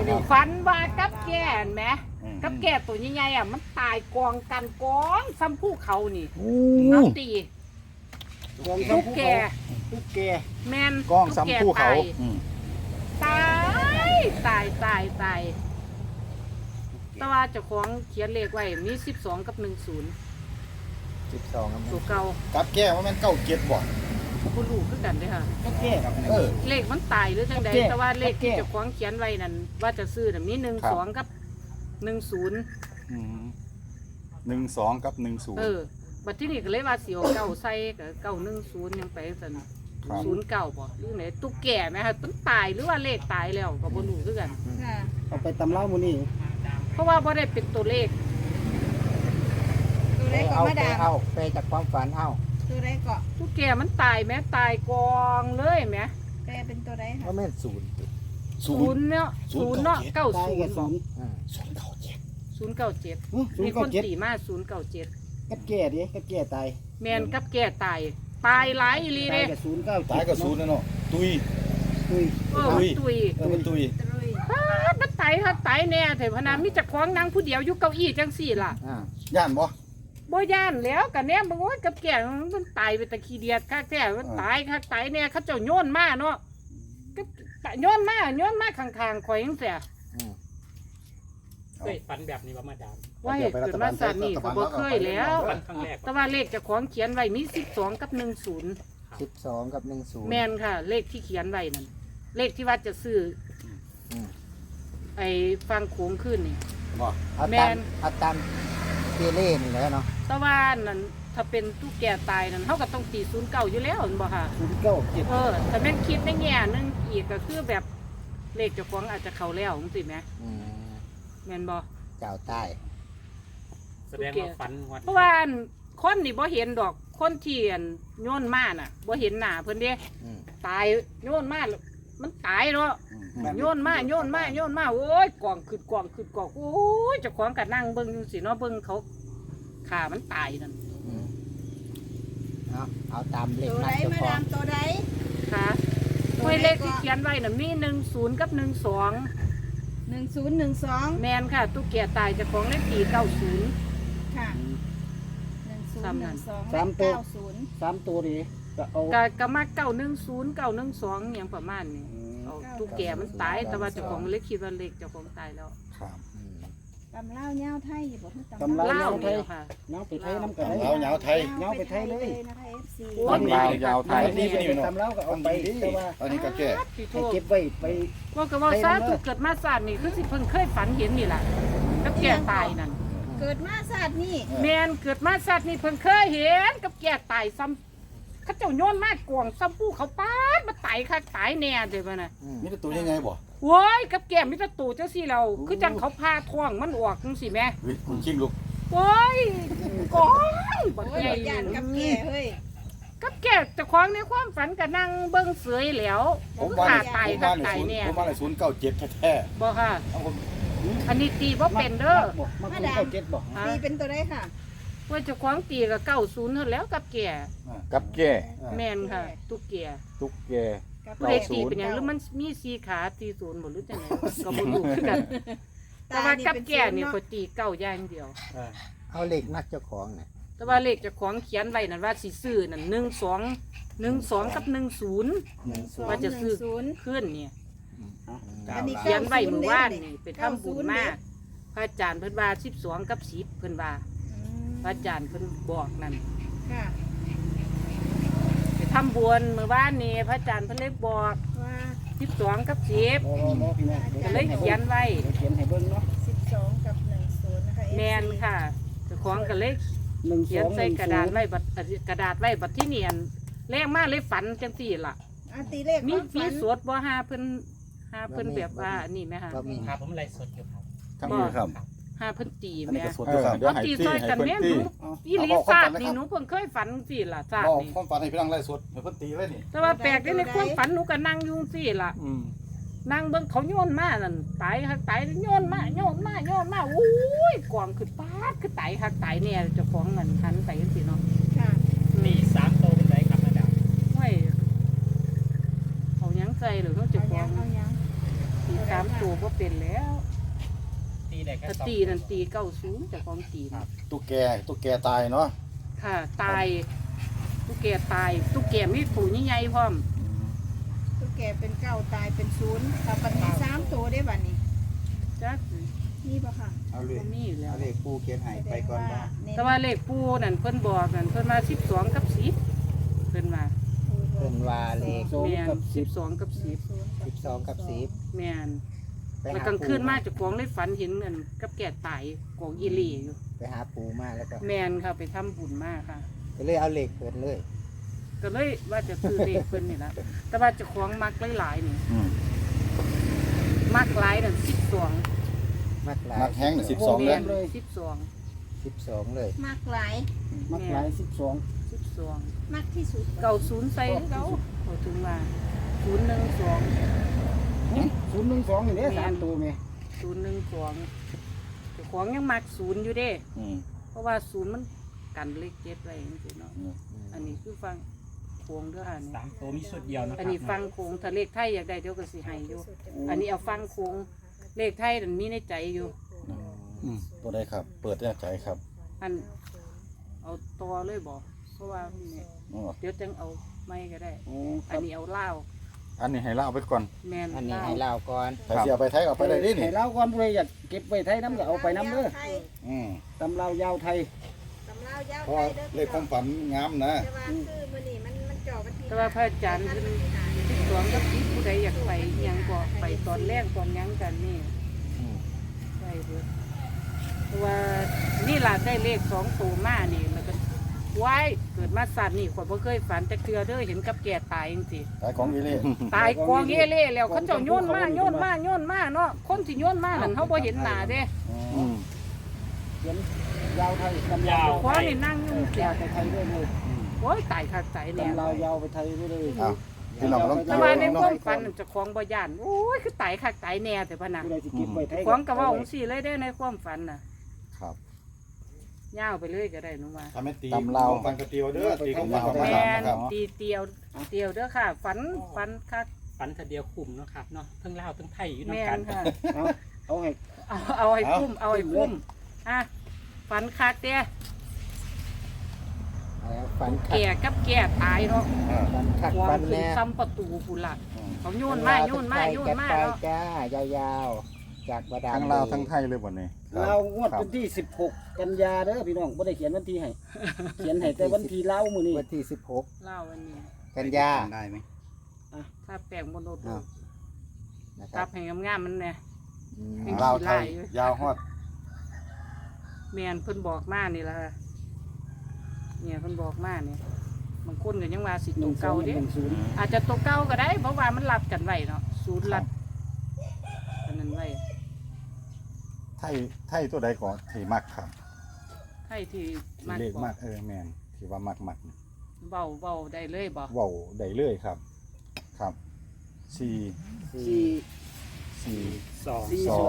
ฝันว่ากับแก่นไหมกับแก่ตัวใหญ่ๆอ่ะมันตายกองกันกองซ้ำผู้เขานี่เอาตีทุกแก่แมนกองซ้ำผู้เขาตายแต่ว่าเจ้าของเขียนเลขไว้มี12กับ10 12ครับตัวเก่ากับแก้ว่ามันเก้าเจ็ดบ่บ่รู้คือกันเด้อค่ะ เลขมันตายหรือจังใดแต่ว่าเลขที่เจ้าของเขียนไว้นั่นว่าจะซื้อน่ะมี12กับ10 12กับ10 บัดที่นี่ก็เลยว่าสิเอาเก้าใส่ก็910ยังไปซั่น09บ่หรือไหนตุ๊กแก่ไหมคะมันตายหรือว่าเลขตายแล้วก็บ่รู้คือกันเอาไปตำเล่ามื้อนี้เพราะว่าบ่ได้เป็นตัวเลขตัวไรเกาะมาดามเอาไปจากความฝันเอาตัวไรเกาะตุ๊กแก่มันตายไหมตายกองเลยไหมแปลเป็นตัวไรค่ะก็แม่นศูนย์ศูนย์เนาะ90เนาะตายกับ 90 ศูนย์ 097มีคนตีมา097 กับแก่ดิกับแก่ตายแมนกับแก่ตายหลายอีหลีตายเด้กับศูนย์เก้าตายกับศูนย์นะเนาะตุยตุยมันตุยมันตุยมันตายแน่แต่พนามีจักของนางผู้เดียวอยู่เก้าอี้จังสี่ล่ะย่านบ่บ่ย่านแล้วกันแน่บางว่ากับแก่มันตายไปตะขี้เดียดคักแท้มันตายคักตายแน่เขาเจ้าโยนมาเนาะก็โยนมาข้างๆข่อยจังซี่เคยฝันแบบนี้ว่ามาดามว่าเกิดมาสัตว์นี่ก็บ่เคยแล้วฝันครั้งแรกแต่ว่าเลขเจ้าของเขียนไว้มี12กับ10 12กับ10 แม่นค่ะ เลขที่เขียนไว้นั่นเลขที่ว่าจะซื้อไอ้ฟังโขงขึ้นนี่บ่เอาตามเกเล่นี่แหละเนาะแต่ว่านั่นถ้าเป็นตู้แก่ตายนั่นเขาก็ต้องตี09อยู่แล้วเห็นบ่ค่ะ 09 แต่แม่นคิดในแง่หนึงอีกก็คือแบบเลขเจ้าของอาจจะเข้าแล้วจังซี่แหมแม่นบ่เจ้าใต้แสดงว่าฝันวันเพราะว่าคนนี่บ่เห็นดอกคนที่โยนมาน่ะบ่เห็นหน้าเพิ่นเด้ตายโยนมามันตายเนาะโยนมาโอ้ยกองขึ้นโอ้ยเจ้าของก็นั่งเบิ่งจังซี่เนาะเบิ่งเขาขามันตายนั่นเอาตามเลขตัวไรนัดเจ้าของมาดามตัวไรค่ะห้วยเลขที่เขียนไว้น่ะมี10กับ12 1012 แมนค่ะตุ๊กแกตายเจ้าของเลขตี90 ค่ะ1012 3ตัวดิก็เอาก็มา910 912อย่างประมาณนี้เอาตุ๊กแกมันตายแต่ว่าเจ้าของเลขคิดว่าเลขเจ้าของตายแล้วครับตำเล่าเงาไทยอยู่บ่คือตำเล่าเล่าไทเนี่ยยค่ะเงาไปไทยน้ำกันเอาเหงาไทยเงาไปไทยเลยนะคะ FC ตำยาวไทยนี่เป็นตำเล่าก็เอาไปแต่ว่าอันนี้ก็แก้พี่โทให้ษเก็บไว้ไปว่าก็ว่าซาตุเกิดมาศาสตร์นี่คือสิเพิ่งเคยฝันเห็นนี่แหละกับแกตายนั่นเกิดมาศาสตร์นี่แมนเกิดมาศาสตร์นี่เพิ่งเคยเห็นกับแกตายซ้ำเขาเจ้าโยนมากกวงซ้ำผู้เขาป้าดมาตายค่ะตายแน่เดี๋ยวนะมีแต่ตัวยังไงบ่โว้ยกับแกมิตรตู่เจ้าสิเราคือจังเขาพาท้องมันออกจังสิแม่คุณชิงลูกโอ้ยกองบักโอ้ยใหญ่ย่านกับแก่เฮ้ยกับแกเจะคล้าของในความฝันก็นั่งเบิ้งเสยแล้วผมคือว่าขาตายผมค่ะว่าในตายศูนย์แน่ผมว่าใน097แท้บ่ค่ะๆเอาผมอันนี้ตีว่าเป็นเด้อมาคุณเข้าเจ็ดบอกฮะตีเป็นตัวไรค่ะว่าเจะคล้าของตีก็90เท่าแล้วกับแกกับแก่แม่นค่ะตุ๊กแกตุ๊กแกกับผู้ใดตีเป็นหยังหรือมันมีสีขาตีศูนย์บ่รู้จังไดก็บ่รู้คือกันแต่ว่ากับแกนี่ก็ตีเก้าอย่างเดียวเอาเลขนัดเจ้าของน่ะแต่ว่าเลขเจ้าของเขียนไว้นั่นว่าสิซื้อนั่น12กับ10ว่าจะซื้อขึ้นเนี่ยอันนี้เขียนไว้เมื่อวานนี่ไปทำบุญมาพระอาจารย์เพิ่นว่า12กับ10เพิ่นว่าพระอาจารย์เพิ่นบอกนั่นค่ะไปทำบุญเมื่อวานนี่พระอาจารย์เพิ่นเลยบอกว่า 12กับ10 บ่พี่น้องก็เลยเขียนไว้เขียนให้เบิ่งเนาะ 12กับ10นะคะแมนค่ะเจ้าของก็เลย 1 เขียนใส่กระดาษไว้บัดที่เนียนแรงมากเลยฝันจังซี่ล่ะตีเลขมีสวดบ่หาเพิ่นแบบว่านี่ไหมคะบ่มีครับผมไลฟ์สดอยู่ครับทั้งนี้ครับหาเพิ่นตีอันแหนี้ม่ก็สดอยู่ครับเดี๋ยวให้ตีตี้ซอยให้กันเพิ่นแม่หตี้นูอีหลีศาสตร์นี่หนูเพิ่งเคยฝันสิล่ะศาสตบร์อกนี่ความฝันให้พี่น้องไล่สดให้เพิ่นตีเลยนี่แต่ว่าแปลกได้ในความฝันหนูก็นั่งอยู่สิล่ะนั่งเบิ่งเขาโยนมานั่นตายคักตายโยนมาโอ้ยกองคือปาดคือตายคักตายเนี่ยเจ้าของนั่นหันไปจังซี่เนาะค่ะมี3โตวเป็นไรครับมาดามห้วยเอาหยังใส่หรือเขาเจ้าเอาขอยัง งเอายังหตีสามตัวบ่เป็นแล้วตีได้แค่ถ้าสองตีนั่นตี90แต่ของตีนะตุ๊กแกตายเนาะค่ะตายตุ๊กแกตายตุ๊กแกมีปูใหญ่ๆพร้อมตุ๊กแกเป็นเก้าตายเป็นศูนย์ถ้าปันนี้สามตัวได้บัดนี้จักนี่ปะค่ะเอาเลยบ่มีอยู่แล้วเอาเลยปูเขียนให้ไปก่อนบ่แต่ว่าเลขปูนั่นเพิ่นบอกนั่นเพิ่นมา12กับ10เพิ่นมาเพิ่นว่าเลขแม่น12กับ10 12กับ10 แม่นไปแล้วหากลางปูคืนมาเจ้าของเลยฝันเห็นนั่นกับแก่ตายกองอีหลีอยู่ไปหาปูมาแล้วก็แม่นค่ะไปทำบุญมาค่ะก็เลยเอาเลขเพิ่นเลยก็เลยว่าจะซื้อเลขเพิ่นนี่ล่ะแต่ว่าเจ้าของมักหลายๆนี่อืมมักหลายนั่น12 มักหลายนักแห้งน่ะ12 แม่เลยน12 12เลยมากหลายมักหลาย12 มากที่สุดเก่า0ใส่เขาเขาถึงว่า012 012นี่เด้3ตัวแม่ 012เจ้าของยังมัก0อยู่เด้อืมเพราะว่า0มันกันเลข7ไว้จังซี่เนาะอันนี้คือฟังโค้งเด้อค่ะนี่สามตัวมีชุดเดียวนะคอัรันนี้ฟังโค้งถ้าเลขไทยอยากได้เดี๋ยวก็สิให้อยู่ อันนี้เอาฟังโค้งเลขไทยนั่นมีในใจอยู่ตัวใดครับ เปิดได้ใจครับอันเอาตัวเลยบ่เพราะว่าเนี่ยอ๋อเดี๋ยวจังเอาไม่ก็ได้โอ้คอัรันบนี้เอาเหล้าอันนี้ให้เล่าไปก่อนแมนอันนี้เหล้าให้เล่าก่อนใครสิเอาไปไทยเอาไปได้ดินี่ให้เราก่อนผู้ใดอยากเก็บไว้ไทยน้ำก็เอาไปน้ำเด้ออืมตำราวยาวไทยตำราวยาวเพราะว่าเลขความฝันงามนะแต่ว่าคือมื้อนี้มันจ่อวันที่แต่ว่าพระอาจารย์เพิ่น12กับ10ผู้ใดอยากไปอิหยังก็ไปตอนแรกตอนหยังกันนี่อืมได้เบิดเพราะว่านี่ล่ะได้เลข2ตัวมานี่แล้วก็ว้ายเกิดมาสัตว์นี่ข่อยบ่เคยฝันจักเทื่อเด้อเห็นกับแก่ตายจังซี่ขายของอีเล่ตายกองเอเล่แล้วเขาเจ้าโยนมาเนาะคนที่โยนมานั่นเขาบ่เห็นหน้าเด้อืมเขียนยาวไทยตำรายาวขวานี่นั่งอยู่เสียไปไทยด้วยเลยโอ้ยตายคักตายแน่ตำรายาวไปไทยด้วยเลยอ้าวพี่น้องต้องแต่ว่าในความฝันนั่นเจ้าของบ่ย่านโอ้ยคือตายคักตายแน่แต่พะนะผู้ใดสิเก็บไว้ไทยของก็เว้าจังซี่เลยเด้ในความฝันน่ะครับยาวไปเลยก็ได้หนูว่าทำให้ตีตำราวของฝันกระเตียวเด้อตีของฝันของแม่ฝันนนะครับตีเตียวเด้อค่ะ ฝันคักฟันทีเดียวคุมเนาะครับเนาะทั้งลาวทั้งไทยอยู่แม่น้ำกันนค่ะเอาให้เอาให้คุ้มอ่ะฝันคักเด้แล้วฟันขัดแก่กับแก่ตายเนาะฟันขัดวาฟังนขึ้นแน่ซ้ำประตูพุ่นล่ะเขาโยนเมาไปเนาะจ้ายาวๆ จากบาดาลทั้งลาวทั้งไทยเลยวันนี้เรางวดวันที่16กันยาเด้อพี่น้องบ่ได้เขียนวันที่ให้เขียนให้แต่วันที่เล่ามื้อนี้วันที่เล่าวันนี้ 16 กันยาได้ไหมถ้าแปลงบนรถอ้าว นะคตัรับบ ให้งามๆมันเนี่ยอืมเป็นลาวไทยยาวฮอดแมนเพิ่นบอกมานี่ล่ะค่ะเนี่ยเพิ่นบอกมานี่บางคนก็ยังว่าสิตัวเก่าเด้ 1210 อาจจะตัวเก่าก็ได้เพราะว่ามันรับกันไว้เนาะศูนย์รับอันนั้นไว้ไทยตัวใดก่อนที่มักครับให้ที่ที่มากเลขกว่ามากแมนที่ว่ามักเบาได้เลยบ่เว้าได้เลยครับ ครับสี่ 4 สี่สอง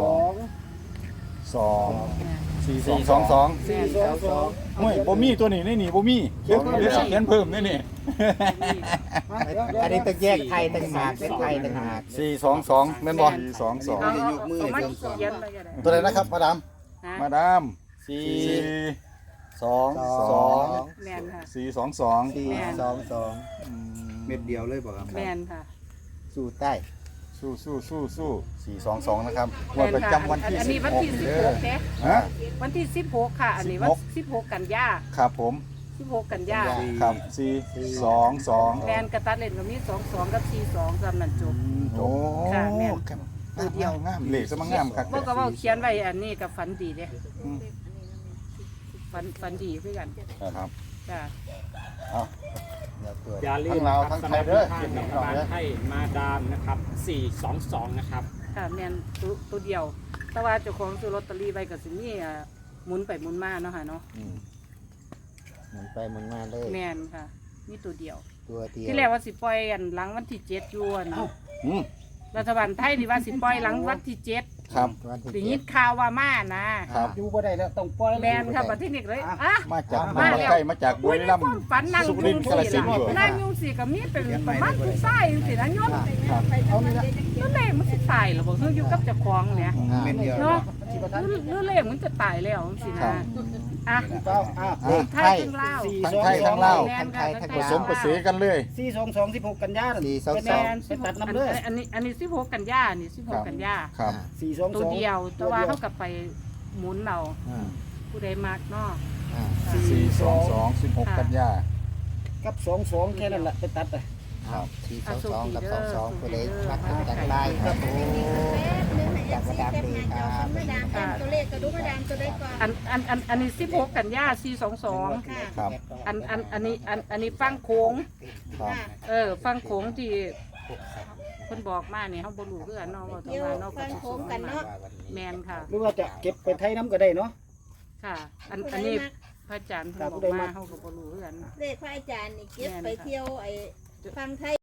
42 สองเนี่ยสี่สี่สองสอง 422 ห่วยบ่มีตัวนี้ในนี่บ่มีเดี๋ยวเขียนเพิ่มในนี่อันนี้ต้องแยกไทยต่างหากเป็นไทยต่างหาก 422แม่นบ่สี่สองสองเอามาเขียนไปก็ได้ตัวใดนะครับมาดามนะมาดามสี่สี่สองสองแมนค่ะสี่สองสอง 422 เม็ดเดียวเลยบอกครับแมนค่ะสู่ใต้สู้ 422นะครับแมวันนประค่ะจำวันที่อันนี้วันที่ 16เด้อ 16เด้ฮะวันที่16ค่ะ อันนี้วัน16กันยาครับผม 16กันยาครับสี่สองสองแมนกระตัดเล่นก็มี22กับ42สำนันจบโอ้ค่ะแม่นตัวเดียวงามเหล็กสมังงามครับบ่ก็เว้าเขียนไว้อันนี้กับฝันดีเด้อืมฝันดีคือกันครับจ้าเดี๋ยวตรวจอย่าลืมทั้งลาวทั้งไทยเด้อสำหรับทางรัฐบาลไทยมาดามนะครับ422นะครับค่ะแมนตัวเดียว แต่ว่าเจ้าของซื้อลอตเตอรี่ไว้ก็สิมีหมุนไปหมุนมาเนาะค่ะเนาะหมุนไปหมุนมาเลยแมนค่ะมีตัวเดียวตัวเดียวที่แรกว่าสิปล่อยอันหลังวันที่7อยู่อันอืมรัฐบาลไทยนี่ว่าสิปล่อยหลังวันที่7 ครับวันที่ได้ยินข่าวว่ามานะครับอยู่บ่ได้แล้วต้องปล่อยแมนค่ะประเทศนี้เลยอ่ะมาจากมาแล้วใกล้มาจากบุอุ้ยรีในรัมความย์ฝันนั่งสุยุ่รินงทร์กาฬสิสินธุ์อยู่ล่ะนั่งยุ่งสิก็มีเป็นประมาณผู้ชายจังสินะยศครับเอานี่ละแล้วเลขมันสิตายเหรอบ่คืออยู่กับเจ้าของเนี่ยเม็ดเดียวเนาะที่ประทัดหรือเลขมันจะตายแล้วจังซี่นะอ่ะเป้าเลขไทยทั้งลาวทั้งไทยทั้งลาวแม่นค่ะทั้งไทผยสมประสีกันเลย 422 16กันยาแม่นไปตัดน้ำเด้ออันนี้16กันยานี่16กันยาครับ 422 ตัวเดียวแต่ว่าเขากลับไปหมุนเอาผู้ใดมักเนาะ 422 16 กันยากับ22แค่นั้นแหละไปตัดไป 422กับ22ตัวเลขมักถึงกันได้ครับผมจากมาดามดีครับมาดามเป็นตัวเลขกระดูกมาดามตัวได้ก่อนอันนี้16กันยา422 ค่ะครับอันนี้ฟังโค้งครับฟังโค้งที่เพิ่นบอกมานี่เฮาบ่รู้คือกันเนาะว่าเดี๋ยวเนาะฟังโค้งกันเนาะแม่นค่ะหรือว่าจะเก็บไปไทยน้ำก็ได้เนาะค่ะ อันนี้พระอาจารย์เพิ่นบอกมาเฮาก็บ่รู้คือกันเลขพระอาจารย์นี่เก็บไปเที่ยวไอ้ฟังไทย